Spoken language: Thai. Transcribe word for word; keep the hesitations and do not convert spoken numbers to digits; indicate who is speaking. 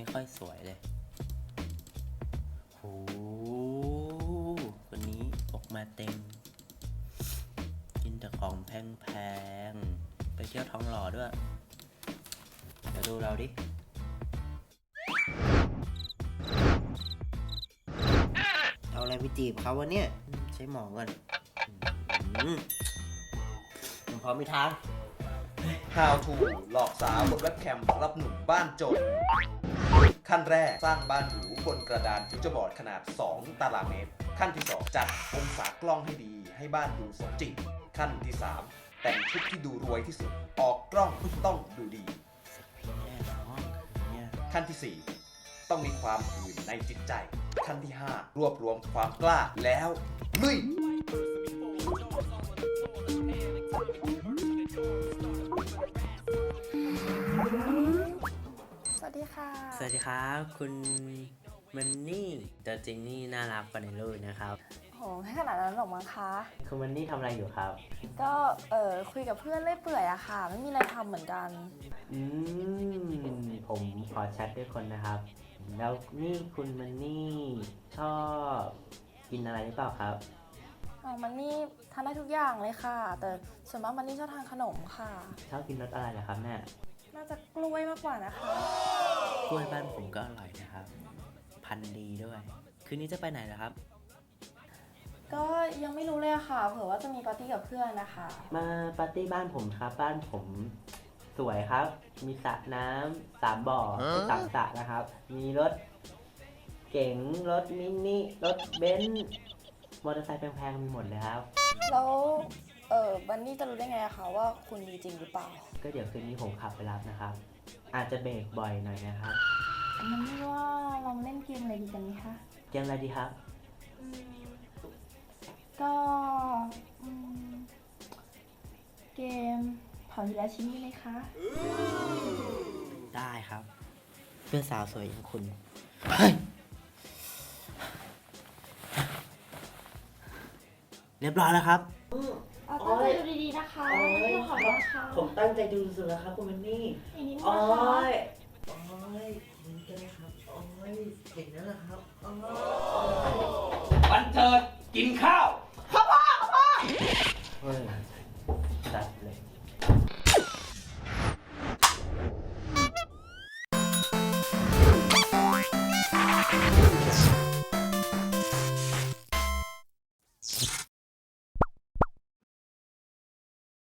Speaker 1: ค่อยสวยเลยโหวันนี้ออกมาเต็มกินแต่ของแพงๆไปเที่ยวท้องหล่อด้วยเดี๋ยวดูเราดิเอาอะไรไปจีบเขาวะเนี่ยใช้หมองก่อนผมพร้อมมีทาง
Speaker 2: How to หลอกสาวบนเว็บแคมรับหนุ่มบ้านจนขั้นแรกสร้างบ้านหรูบนกระดานฟิวเจอร์บอร์ดขนาดสองตารางเมตรขั้นที่สองจัดองศากล้องให้ดีให้บ้านดูสมจริงขั้นที่สามแต่งชุดที่ดูรวยที่สุดออกกล้องต้องดูดีขั้นที่สี่ต้องมีความหื่นในจิตใจขั้นที่ห้ารวบรวมความกล้าแล้วลุย
Speaker 3: สวัสดีค่ะ
Speaker 1: สวัสดีครับคุณมันนี่ตัวจริงนี่น่ารักกว่าในรูปนะครับ
Speaker 3: โหให้ขนาดนั้นหรอมั้งคะ
Speaker 1: คุณมันนี่ทำอะไรอยู่ครับ
Speaker 3: ก็เออคุยกับเพื่อนเล่อยเปื่อยอะค่ะไม่มีอะไรทำเหมือนกัน
Speaker 1: อืมผมขอแชทด้วยคนนะครับแล้วนี่คุณมันนี่ชอบกินอะไรหรือเปล่าครับ
Speaker 3: อ๋อมันนี่ทานได้ทุกอย่างเลยค่ะแต่ส่วนมากมันนี่ชอบทานขนมค่ะ
Speaker 1: ชอบกินรสอะไรเหรอครับแม่
Speaker 3: น่าจะกล้วยมากกว่านะคะ
Speaker 1: กล้วยบ้านผมก็อร่อยนะครับพันธุ์ดีด้วยคืนนี้จะไปไหนเหรอครับ
Speaker 3: ก็ยังไม่รู้เลยอะค่ะเผื่อว่าจะมีปาร์ตี้กับเพื่อนนะคะ
Speaker 1: มาปาร์ตี้บ้านผมครับบ้านผมสวยครับมีสระน้ำสามบ่อสามสระนะครับมีรถเก๋งรถมินิรถเบนซ์มอเตอร์ไซค์แพงๆมีหมดเลยครับ
Speaker 3: แล้วเออบันนี่จะรู้ได้ไงอะคะว่าคุณมีจริงหรือเปล่า
Speaker 1: ก็เดี๋ยวคืนนี้ผมขับไปรับนะครับอาจจะเบรกบ่อยหน่อยนะครับ
Speaker 3: มันไม่ว่าเราเล่นเกมอะไรดีกันไหมคะ
Speaker 1: เกมอะไรดีครับ
Speaker 3: ก็เกมเผาทีละชิ้นได้ไหมคะ
Speaker 1: ได้ครับเพื่อนสาวสวยอย่างคุณเฮ้ยเรียบร้อยแล้วครับ
Speaker 3: ตั้งใจดูดีๆนะคะไม่ต้องขอร้องค่ะ
Speaker 1: ผมตั้งใจดูสุดแล้วครับคุณมันนี่
Speaker 3: อีกนิดนึง
Speaker 1: โอ้
Speaker 3: นะคะ
Speaker 1: ยโอ้ยนี่ก็ได้ครับโอ้ยเก่งนั่นแหละครับโอ้ย
Speaker 2: วันเจิดกินข้าวพ่อพ่อพ่อ
Speaker 1: เฮ้ยจัดเลย